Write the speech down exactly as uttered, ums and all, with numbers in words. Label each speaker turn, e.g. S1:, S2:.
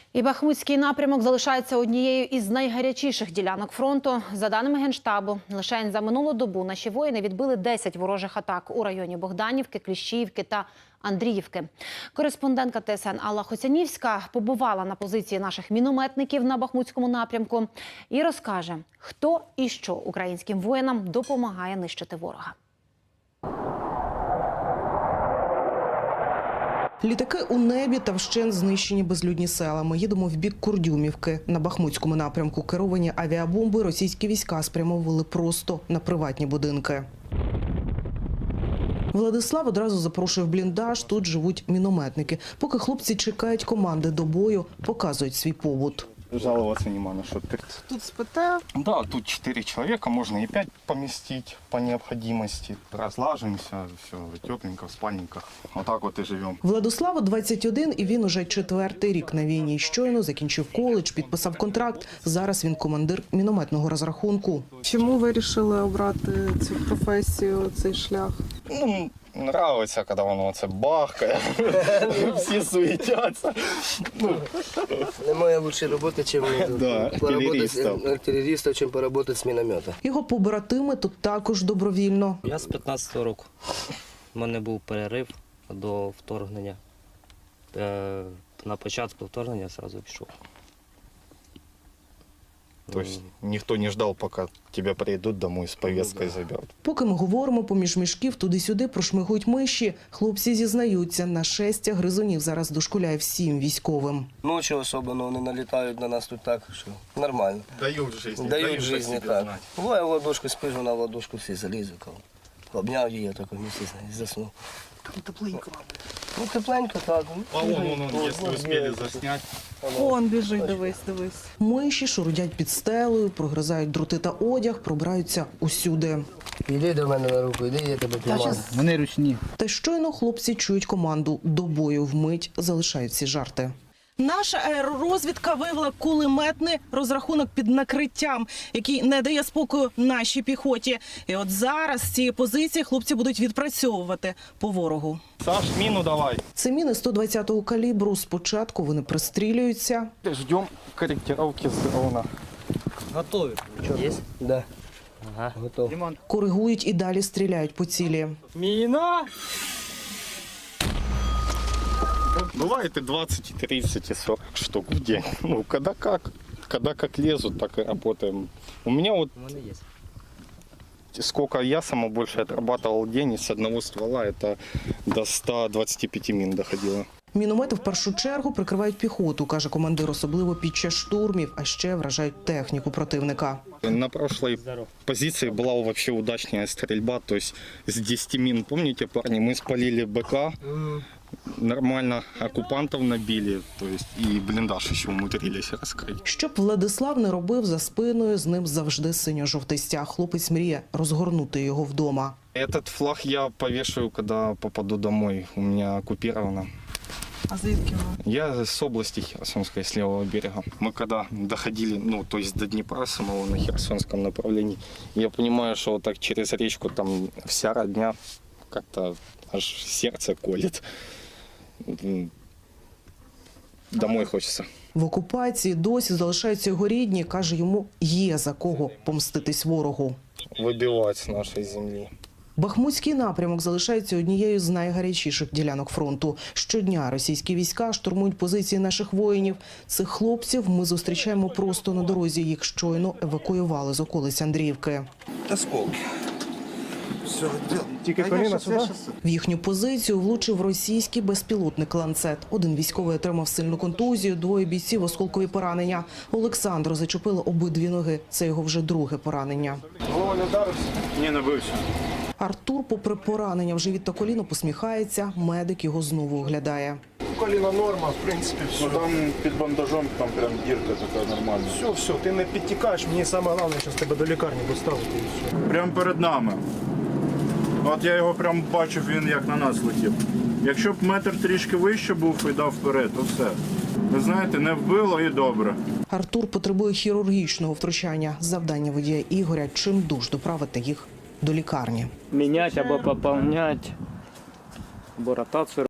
S1: І Бахмутський напрямок залишається однією із найгарячіших ділянок фронту. За даними Генштабу, лише за минулу добу наші воїни відбили десять ворожих атак у районі Богданівки, Кліщіївки та Андріївки. Кореспондентка Т С Н Алла Хоцянівська побувала на позиції наших мінометників на Бахмутському напрямку і розкаже, хто і що українським воїнам допомагає нищити ворога.
S2: Літаки у небі та вщент знищені безлюдні села. Ми їдемо в бік Курдюмівки. На Бахмутському напрямку керовані авіабомби російські війська спрямовували просто на приватні будинки. Владислав одразу запрошує в бліндаж, тут живуть мінометники. Поки хлопці чекають команди до бою, показують свій побут.
S3: Жаловаться нема на что.
S2: Тут спите?
S3: Да, тут четыре человека, можно и пять поместить по необходимости. Разлажимся, все тепленько в спальниках. Вот так вот и живем.
S2: Владиславу двадцять один, і він уже четвертий рік на війні. Щойно закінчив коледж, підписав контракт. Зараз він командир мінометного розрахунку.
S4: Чому ви вирішили обрати цю професію, цей шлях?
S3: Ну, нравится, когда воно це бахкає, всі суетяться.
S5: Немає лучшої роботи, ніж артилерістів, чим поработати з міномета.
S2: Його побратими тут також добровільно.
S6: Я з п'ятнадцятого року. У мене був перерив до вторгнення. На початку вторгнення одразу пішов.
S3: Тобто ніхто не ждав, поки тебе прийдуть домой з повісткою заберуть.
S2: Поки ми говоримо, поміж мішків туди-сюди прошмигують миші. Хлопці зізнаються, нашестя гризунів зараз дошкуляє всім військовим.
S5: Ночі особливо вони налітають на нас тут так, що нормально.
S3: Дають життя.
S5: Дають життя, так. Буває, в ладошку спиш, вона в ладошку всі залізе. Обняв її, я так місці і заснув.
S4: Там тепленько.
S5: Ну, тепленько, так.
S3: А вон, вон, вон, якщо успіли засняти.
S4: Он біжить, дивись, дивись.
S2: Миші шурудять під стелею, прогризають дроти та одяг, пробираються усюди.
S5: Іди до мене на руку, іди, я тебе піймаю.
S7: Вони ручні.
S2: Та щойно хлопці чують команду «до бою», вмить залишають всі жарти. Наша аеророзвідка виявила кулеметний розрахунок під накриттям, який не дає спокою нашій піхоті. І от зараз з цієї позиції хлопці будуть відпрацьовувати по ворогу.
S3: Саш, міну давай.
S2: Це міни сто двадцятого калібру. Спочатку вони пристрілюються.
S3: Ждем корректировки з дрона.
S6: Готові? Є?
S5: Да.
S6: Ага.
S5: Готов.
S2: Коригують і далі стріляють по цілі.
S6: Міна!
S3: Бывает и двадцать, и тридцать, и сорок штук в день. Ну, когда как. Когда как лезут, так и работаем. У меня вот
S6: У мене є.
S3: сколько я самое больше отрабатывал в день, с одного ствола это до ста двадцати пяти мин доходило.
S2: Міномети в першу чергу прикривають піхоту, каже командир, особливо під час штурмів, а ще вражають техніку противника.
S3: На прошлой позиции была вообще удачная стрельба, то есть с десяти мин, помните, парни, мы спалили БК, нормально оккупантов набили, то есть и блиндаж еще умудрились раскрыть.
S2: Щоб Владислав не робив за спиною, з ним завжди синьо-жовтий стяг. Хлопець мріє розгорнути його вдома.
S3: Этот флаг я повешаю, когда попаду домой, у меня оккупировано.
S4: А звідки ви?
S3: Я с области Херсонской, с левого берега. Мы когда доходили, ну, то есть до Днепра самого на Херсонском направлении, я понимаю, что вот так через речку там вся родня как-то аж сердце колет. Домой хочется.
S2: В окупації досі залишаються його рідні, каже, йому є за кого помститись ворогу.
S3: Выбивать с нашей земли.
S2: Бахмутський напрямок залишається однією з найгарячіших ділянок фронту. Щодня російські війська штурмують позиції наших воїнів. Цих хлопців ми зустрічаємо просто на дорозі. Їх щойно евакуювали з околиць Андріївки.
S5: Осколки.
S4: Тільки коліна сюди?
S2: В їхню позицію влучив російський безпілотник «Ланцет». Один військовий отримав сильну контузію, двоє бійців – осколкові поранення. Олександру зачепило обидві ноги. Це його вже друге поранення.
S3: Голова не вдарився? Ні, не бився.
S2: Артур, попри поранення в живіт та коліно, посміхається. Медик його знову оглядає.
S8: Коліна норма, в принципі, все.
S3: Ну там під бандажом, там прям дірка така нормальна.
S8: Все, все, ти не підтікаєш, мені саме головне, що тебе до лікарні доставити і все.
S9: Прямо перед нами. От я його прям бачив, він як на нас летів. Якщо б метр трішки вище був і дав вперед, то все. Ви знаєте, не вбило і добре.
S2: Артур потребує хірургічного втручання. Завдання водія Ігоря – чимдуж доправити їх до лікарні.
S10: Міняти або поповняти, або ротацію